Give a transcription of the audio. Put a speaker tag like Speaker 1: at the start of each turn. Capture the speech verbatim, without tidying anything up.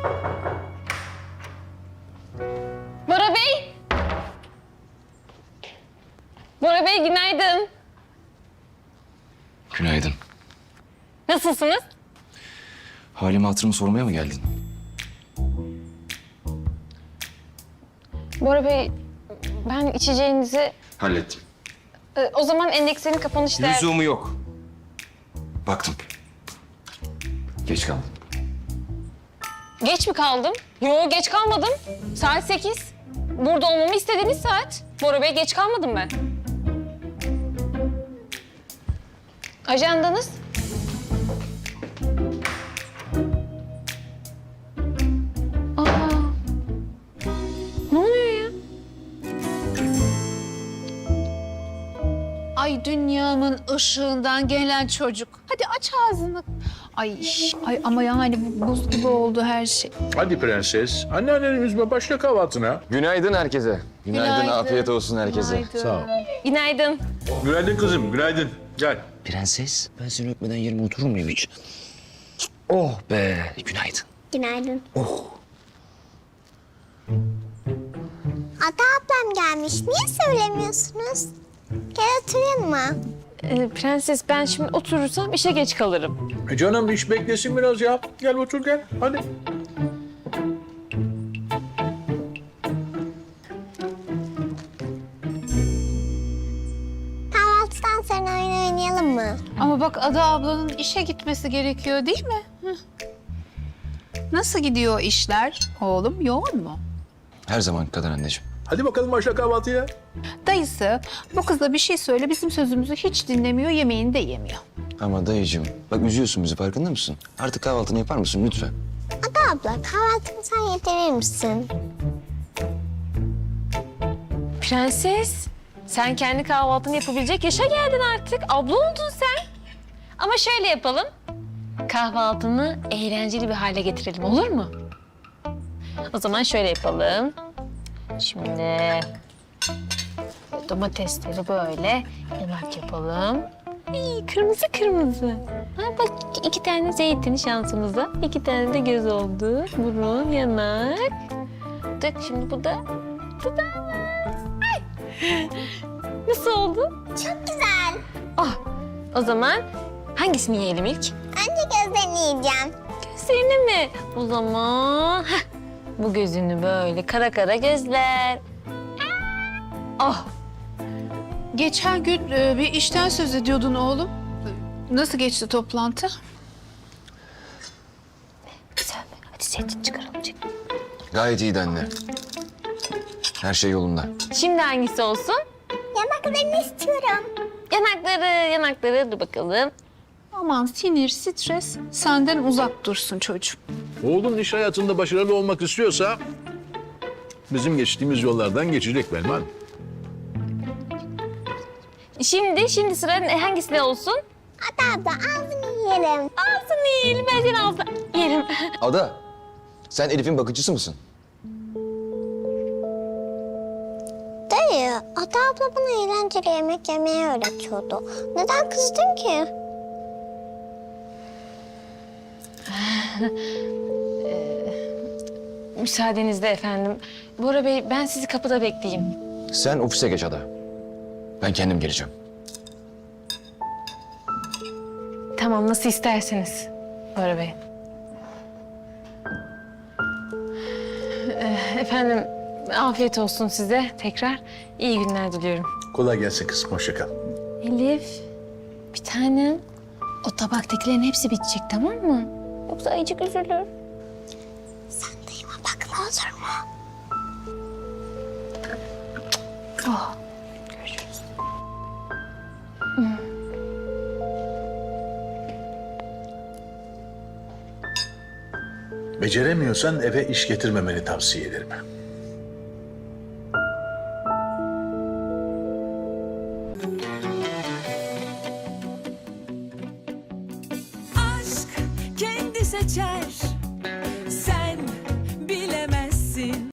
Speaker 1: Bora Bey! Bora Bey günaydın.
Speaker 2: Günaydın.
Speaker 1: Nasılsınız?
Speaker 2: Halimi hatırımı sormaya mı geldin?
Speaker 1: Bora Bey, ben içeceğinizi...
Speaker 2: Hallettim.
Speaker 1: Ee, o zaman endekslerin kapanış değer...
Speaker 2: Lüzumu yok. Baktım. Geç kaldım.
Speaker 1: Geç mi kaldım? Yo, geç kalmadım. Saat sekiz. Burada olmamı istediğiniz saat. Bora Bey, geç kalmadım ben. Ajandanız? Aa. Ne oluyor ya?
Speaker 3: Ay dünyamın ışığından gelen çocuk. Hadi aç ağzını. Ay, ay ama yani bu buz gibi oldu her şey.
Speaker 4: Hadi prenses, anneanneni üzme, başla kahvaltına.
Speaker 2: Günaydın herkese. Günaydın,
Speaker 3: Günaydın.
Speaker 2: afiyet olsun herkese.
Speaker 3: Günaydın.
Speaker 4: Sağ ol.
Speaker 1: Günaydın.
Speaker 4: Günaydın kızım, günaydın. Gel.
Speaker 2: Prenses, ben seni öpmeden yerime oturur muyum hiç? Oh be, günaydın.
Speaker 5: Günaydın.
Speaker 2: Oh.
Speaker 5: Ada ablam gelmiş. Niye söylemiyorsunuz? Gel oturalım mı?
Speaker 1: Ee, prenses, ben şimdi oturursam işe geç kalırım.
Speaker 4: E canım iş beklesin biraz ya. Gel otur gel, hadi.
Speaker 5: Kahvaltıdan sonra oyun oynayalım mı?
Speaker 3: Ama bak Ada ablanın işe gitmesi gerekiyor değil mi? Hı. Nasıl gidiyor işler oğlum? Yoğun mu?
Speaker 2: Her zaman kadar anneciğim.
Speaker 4: Hadi bakalım başla kahvaltıya.
Speaker 3: Dayısı bu kıza bir şey söyle bizim sözümüzü hiç dinlemiyor, yemeğini de yemiyor.
Speaker 2: Ama dayıcığım, bak üzüyorsun bizi, farkında mısın? Artık kahvaltını yapar mısın lütfen?
Speaker 5: Ada abla kahvaltımı sen yedirir misin?
Speaker 1: Prenses, sen kendi kahvaltını yapabilecek yaşa geldin artık. Abla oldun sen. Ama şöyle yapalım. Kahvaltını eğlenceli bir hale getirelim, olur mu? O zaman şöyle yapalım. Şimdi domatesleri böyle yanak yapalım. Ay, kırmızı kırmızı. Ha, bak iki tane zeytin şansımıza. İki tane de göz oldu. Burun, yanak. Dök şimdi bu da dudağı. Ay. Nasıl oldu?
Speaker 5: Çok güzel.
Speaker 1: Ah, o zaman hangisini yiyelim ilk?
Speaker 5: Önce gözlerini yiyeceğim.
Speaker 1: Gözlerini mi? O zaman heh, bu gözünü böyle kara kara gözler. Ah,
Speaker 3: Geçen gün e, bir işten söz ediyordun oğlum. Nasıl geçti toplantı?
Speaker 1: güzel. Hadi zeytin çıkaralım. Çık.
Speaker 2: Gayet iyiydi anne. Her şey yolunda.
Speaker 1: Şimdi hangisi olsun?
Speaker 5: Yanaklarını istiyorum.
Speaker 1: Yanakları, yanakları. Dur bakalım.
Speaker 3: Aman sinir, stres senden uzak dursun çocuğum.
Speaker 4: Oğlun iş hayatında başarılı olmak istiyorsa... ...bizim geçtiğimiz yollardan geçecek Belma Hanım.
Speaker 1: Şimdi, şimdi sıra ne- hangisine olsun?
Speaker 5: Ada abla ağzını yiyelim.
Speaker 1: Ağzını yiyelim. Ben senin ağzını yerim.
Speaker 2: Ada, sen Elif'in bakıcısı mısın?
Speaker 5: Dayı, Ada abla bana eğlenceli yemek yemeyi öğretiyordu. Neden kızdın ki?
Speaker 1: Müsaadenizle efendim. Bora Bey, ben sizi kapıda bekleyeyim.
Speaker 2: Sen ofise geç Ada. Ben kendim geleceğim.
Speaker 1: Tamam, nasıl isterseniz Bora Bey. Ee, efendim, afiyet olsun size tekrar. İyi günler diliyorum.
Speaker 4: Kolay gelsin kızım, hoşça kal.
Speaker 1: Elif, bir tanem. O tabaktakilerin hepsi bitecek, tamam mı? Yoksa ayıcık üzülür.
Speaker 5: Sen dayıma bakma olur mu?
Speaker 1: Oh, görüşürüz.
Speaker 4: Beceremiyorsan eve iş getirmemeni tavsiye ederim.